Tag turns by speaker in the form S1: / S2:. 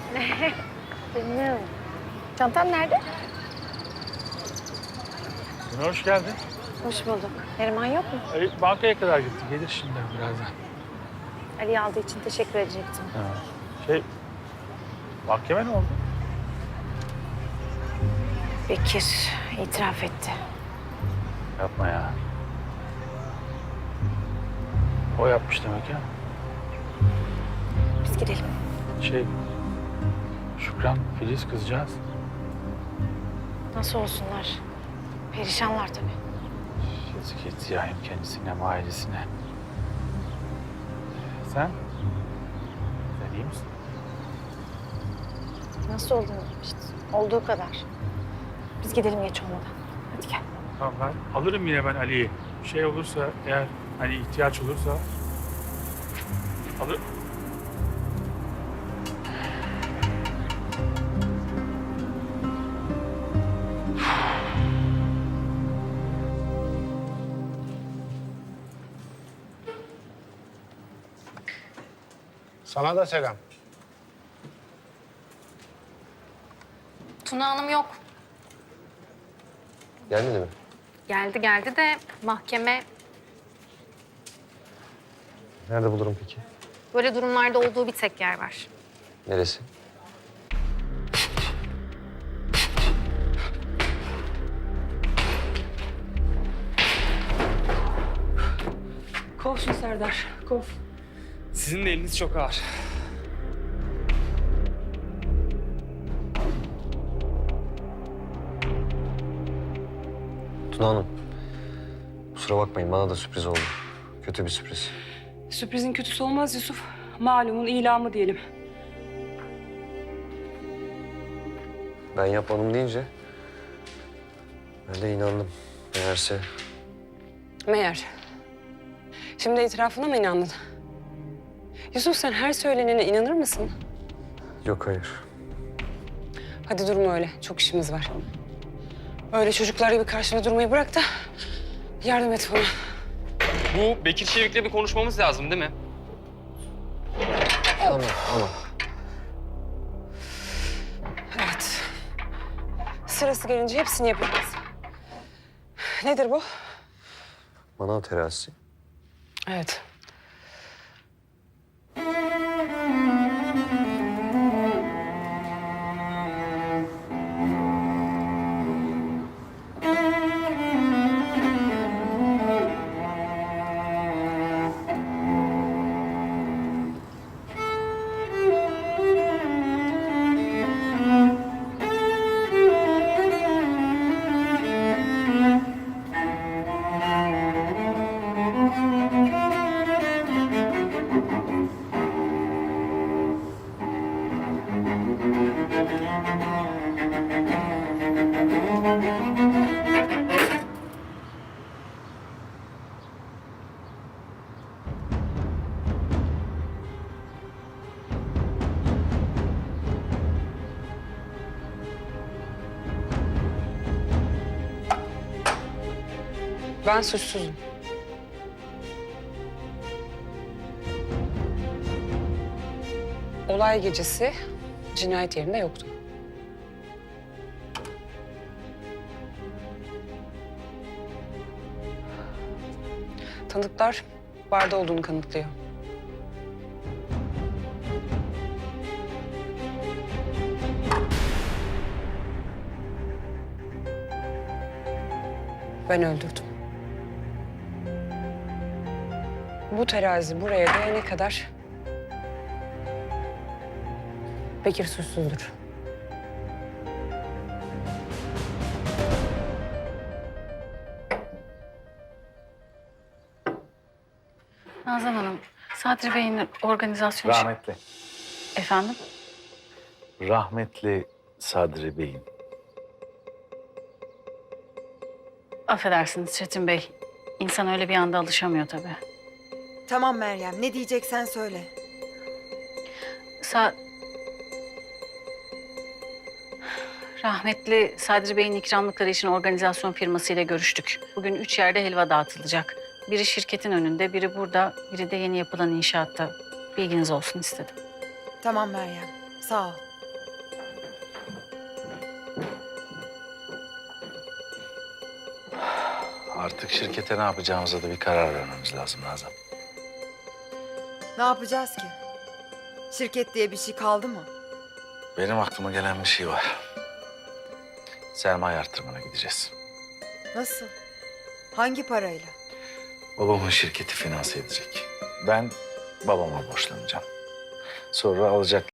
S1: Bilmiyorum. Çantan nerede?
S2: Hoş geldin.
S1: Hoş bulduk. Neriman yok mu?
S2: Ali bankaya kadar gitti. Gelir şimdi birazdan.
S1: Ali'yi aldığı için teşekkür edecektim.
S2: Mahkeme ne oldu?
S1: Bekir itiraf etti.
S2: Yapma ya. O yapmış demek ya.
S1: Biz gidelim.
S2: Şükran, Filiz kızcağız.
S1: Nasıl olsunlar? Perişanlar tabii.
S2: Yazık etti ya hem kendisine hem ailesine. Sen? Sen iyi misin?
S1: Nasıl olduğunu işte. Olduğu kadar. Biz gidelim geç olmadan. Hadi gel.
S2: Tamam ben alırım yine ben Ali'yi. Bir şey olursa eğer hani ihtiyaç olursa alırım.
S3: Sana da selam.
S4: Tuna Hanım yok.
S5: Gelmedi mi?
S4: Geldi de mahkeme
S5: Nerede bulurum peki?
S4: böyle durumlarda olduğu bir tek yer var.
S5: Neresi?
S6: Kov şunu Serdar, kov.
S7: Sizin de eliniz çok ağır.
S5: Tuna Hanım. Kusura bakmayın bana da sürpriz oldu. Kötü bir sürpriz.
S6: Sürprizin kötüsü olmaz Yusuf. Malumun ilamı diyelim.
S5: Ben yapmadım deyince ben de inandım. Meğerse
S6: Meğer. Şimdi itirafına mı inandın? Yusuf sen her söylenene inanır mısın?
S5: yok hayır.
S6: Hadi durma öyle, çok işimiz var. Öyle çocuklar gibi karşına durmayı bırak da yardım et bana.
S7: Bu Bekir Çevik'le bir konuşmamız lazım değil mi?
S5: Tamam.
S6: Evet. Sırası gelince hepsini yapacağız. Nedir bu?
S5: Manav terazisi.
S6: Evet. Ben suçsuzum. Olay gecesi cinayet yerinde yoktu. Tanıklar barda olduğunu kanıtlıyor. Ben öldürdüm. Bu terazi buraya değene kadar Bekir suçsuzdur.
S1: Nazan Hanım, Sadri Bey'in organizasyonu...
S8: Rahmetli.
S1: Efendim?
S8: Rahmetli Sadri Bey'in.
S1: Affedersiniz Çetin Bey. İnsan öyle bir anda alışamıyor tabii.
S9: Tamam Meryem, ne diyeceksen söyle.
S1: Rahmetli Sadri Bey'in ikramlıkları için organizasyon firmasıyla görüştük. Bugün 3 yerde helva dağıtılacak. Biri şirketin önünde, biri burada, biri de yeni yapılan inşaatta. Bilginiz olsun istedim.
S9: Tamam Meryem, sağ ol.
S8: Artık şirkete ne yapacağımıza da bir karar vermemiz lazım Nazan.
S9: Ne yapacağız ki? Şirket diye bir şey kaldı mı?
S8: Benim aklıma gelen bir şey var. Sermaye artırmana gideceğiz.
S9: Nasıl? Hangi parayla?
S8: Babamın şirketi finanse edecek. Ben babama borçlanacağım. Sonra alacaklı